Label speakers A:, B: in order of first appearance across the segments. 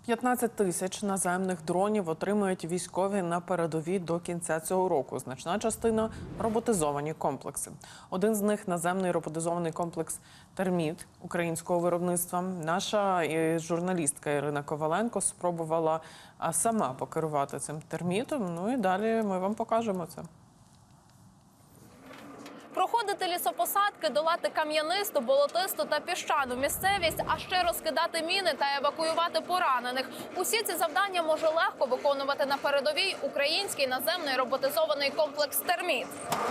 A: 15 тисяч наземних дронів отримають військові на передовій до кінця цього року. Значна частина – роботизовані комплекси. Один з них – наземний роботизований комплекс «Терміт» українського виробництва. Наша журналістка Ірина Коваленко спробувала сама покерувати цим термітом. Ну і далі ми вам покажемо це.
B: Проходити лісопосадки, долати кам'янисту, болотисту та піщану місцевість, а ще розкидати міни та евакуювати поранених. Усі ці завдання може легко виконувати на передовій український наземний роботизований комплекс «Терміт».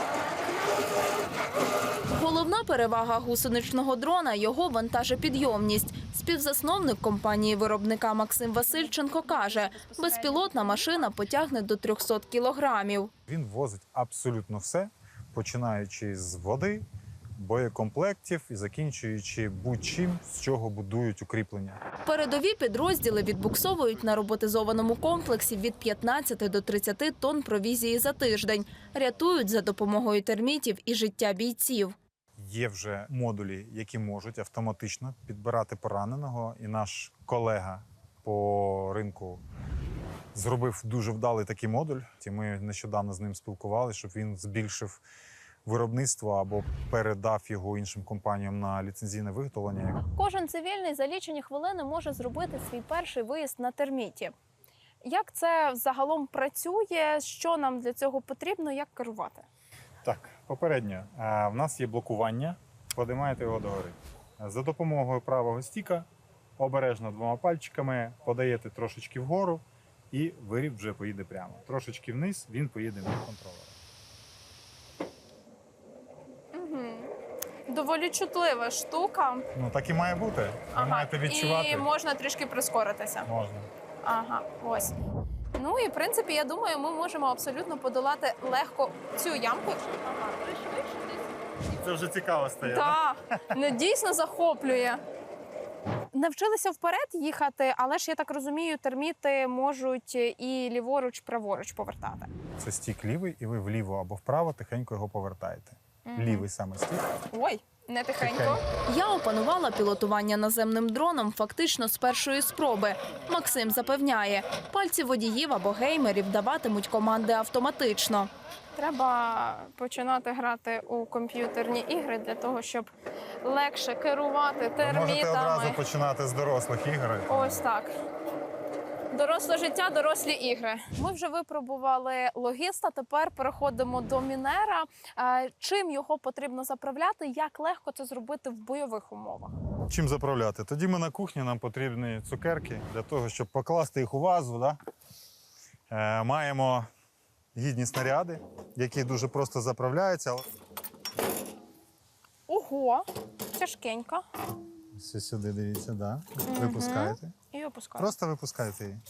B: Головна перевага гусеничного дрона – його вантажопідйомність. Співзасновник компанії-виробника Максим Васильченко каже, безпілотна машина потягне до 300 кілограмів.
C: Він возить абсолютно все, починаючи з води, боєкомплектів і закінчуючи будь-чим, з чого будують укріплення.
B: Передові підрозділи відбуксовують на роботизованому комплексі від 15 до 30 тонн провізії за тиждень. Рятують за допомогою термітів і життя бійців.
C: Є вже модулі, які можуть автоматично підбирати пораненого. І наш колега по ринку зробив дуже вдалий такий модуль. Ми нещодавно з ним спілкувалися, щоб він збільшив виробництво або передав його іншим компаніям на ліцензійне виготовлення.
B: Кожен цивільний за лічені хвилини може зробити свій перший виїзд на терміті. Як це загалом працює, що нам для цього потрібно, як керувати?
C: Так, попередньо. В нас є блокування, подимаєте його догори. За допомогою правого стіка обережно двома пальчиками подаєте трошечки вгору і виріб вже поїде прямо. Трошечки вниз він поїде від контролера.
B: Доволі чутлива штука.
C: Ну так і має бути. Ви маєте відчувати.
B: І можна трішки прискоритися.
C: Можна.
B: Ага, ось. Ну і в принципі, я думаю, ми можемо абсолютно подолати легко цю ямку.
C: Це вже цікаво стає.
B: Так, дійсно захоплює. Навчилися вперед їхати, але ж, я так розумію, терміти можуть і ліворуч, праворуч повертати.
C: Це стік лівий, і ви вліво або вправо тихенько його повертаєте. Лівий саме стік.
B: Ой, не тихенько. Я опанувала пілотування наземним дроном фактично з першої спроби. Максим запевняє, пальці водіїв або геймерів даватимуть команди автоматично. Треба починати грати у комп'ютерні ігри для того, щоб легше керувати термітами.
C: Ви можете одразу починати з дорослих ігор.
B: Ось так. Доросле життя, дорослі ігри. Ми вже випробували логіста, тепер переходимо до мінера. Чим його потрібно заправляти, як легко це зробити в бойових умовах?
C: Чим заправляти? Тоді ми на кухні, нам потрібні цукерки для того, щоб покласти їх у вазу. Да? Маємо гідні снаряди, які дуже просто заправляються.
B: Ого, тяжкенька.
C: Все сюди, дивіться, да. Випускаєте.
B: І опускаю.
C: Просто випускаєте її.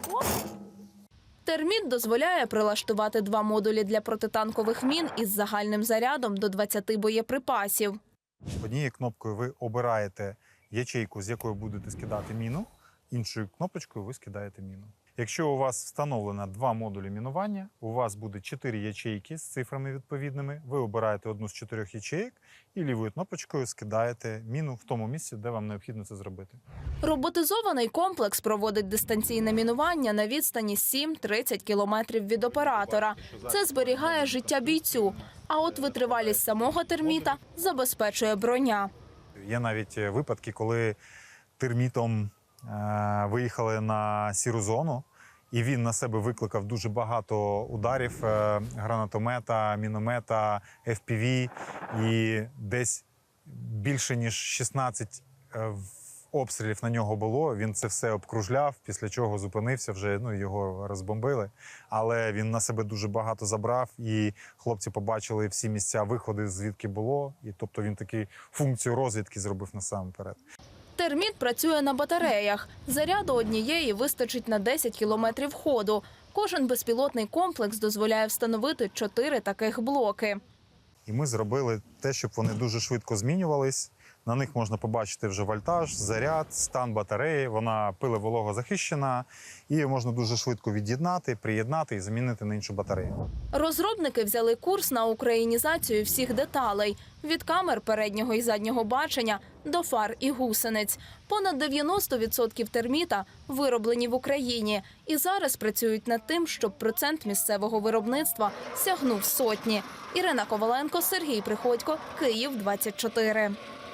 B: Терміт дозволяє прилаштувати 2 модулі для протитанкових мін із загальним зарядом до 20 боєприпасів.
C: Однією кнопкою ви обираєте ячейку, з якої будете скидати міну, іншою кнопочкою ви скидаєте міну. Якщо у вас встановлено 2 модулі мінування, у вас буде 4 ячейки з цифрами відповідними, ви обираєте одну з 4 ячеїк і лівою кнопочкою скидаєте міну в тому місці, де вам необхідно це зробити.
B: Роботизований комплекс проводить дистанційне мінування на відстані 7-30 кілометрів від оператора. Це зберігає життя бійцю, а от витривалість самого терміта забезпечує броня.
C: Є навіть випадки, коли термітом виїхали на сіру зону, і він на себе викликав дуже багато ударів гранатомета, міномета, FPV, і десь більше ніж 16 обстрілів на нього було. Він це все обкружляв, після чого зупинився, вже його розбомбили. Але він на себе дуже багато забрав, і хлопці побачили всі місця виходи, звідки було. І тобто він таку функцію розвідки зробив насамперед.
B: Терміт працює на батареях. Заряду однієї вистачить на 10 кілометрів ходу. Кожен безпілотний комплекс дозволяє встановити 4 таких блоки.
C: І ми зробили те, щоб вони дуже швидко змінювались. На них можна побачити вже вольтаж, заряд, стан батареї. Вона пиловологозахищена і можна дуже швидко від'єднати, приєднати і замінити на іншу батарею.
B: Розробники взяли курс на українізацію всіх деталей – від камер переднього і заднього бачення до фар і гусениць. Понад 90% терміта вироблені в Україні. І зараз працюють над тим, щоб процент місцевого виробництва сягнув сотні. Ірина Коваленко, Сергій Приходько, Київ, 24.